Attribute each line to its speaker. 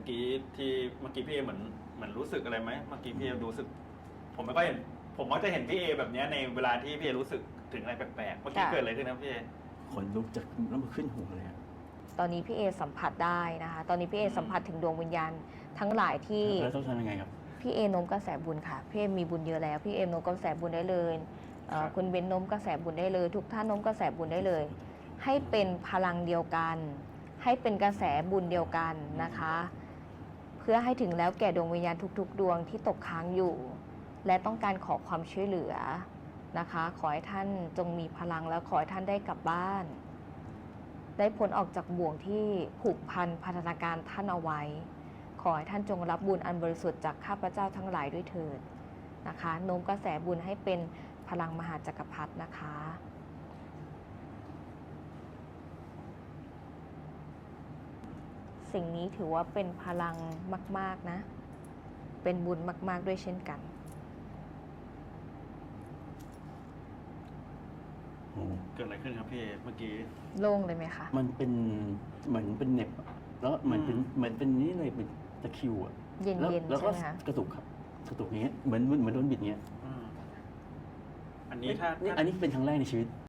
Speaker 1: กี้พี่เอเหมือนรู้สึกอะไรไหมเมื่อกี้พี่เอรู้สึก ผมไม่ค่อยเห็นผมมักจะเห็นพี่เอแบบเนี้ยในเวลาที่พี่เอรู้สึกถึงอะไรแปลกๆเมื่อกี้เกิดอะไรขึ้นนะพี่เอ
Speaker 2: ขนลุกจากแล้วมันขึ้นหัวเลยอะ
Speaker 3: ตอนนี้พี่เอสัมผัสได้นะคะตอนนี้พี่เอสัมผัสถึงดวงวิญญาณทั้งหลายที่
Speaker 2: แล้วต้องทำยังไงครับ
Speaker 3: พี่เอโน้มกระแสบุญค่ะพี่เอมีบุญเยอะแล้วพี่เอโน้มกระแสบุญได้เลยคุณเบนโน้มกระแสบุญได้เลย ทุกท่านโน้มกระแสบุญได้เลย ให้เป็นพลังเดียวกัน ให้เป็นกระแสบุญเดียวกันนะคะ เพื่อให้ถึงแล้วแก่ดวงวิญญาณทุกๆ ดวงที่ตกค้างอยู่ และต้องการขอความช่วยเหลือนะคะ ขอให้ท่านจงมีพลังแล้วขอให้ท่านได้กลับบ้าน ได้พ้นออกจากบ่วงที่ผูกพันพัฒนาการท่านเอาไว้ ขอให้ท่านจงรับบุญอันบริสุทธิ์จากข้าพเจ้าทั้งหลายด้วยเถิดนะคะโน้มกระแสบุญให้เป็นพลังมหาจักรพรรดินะคะ สิ่งนี้ถือว่าเป็นพลังมากๆนะ เป็นบุญมากๆด้วยเช่นกัน
Speaker 2: โอ้
Speaker 1: เกิดอะไรขึ้นครับพี่เอเมื่อกี้
Speaker 3: โล่งเลยไหมคะ
Speaker 2: มันเป็นเหมือนเป็นเหน็บอะแล้วเหมือนเป็นนี่เลยเป็นตะคริวอะ
Speaker 3: เย็นๆ
Speaker 2: แล้ว
Speaker 3: ใช่
Speaker 2: ก็
Speaker 3: ไหมคะ
Speaker 2: กระตุกครับกระตุกอย่างเงี้ยเหมือนโดนบิดเงี้ย
Speaker 1: อันนี้ถ้า
Speaker 2: อันนี้เป็นครั้งแรกในชีวิต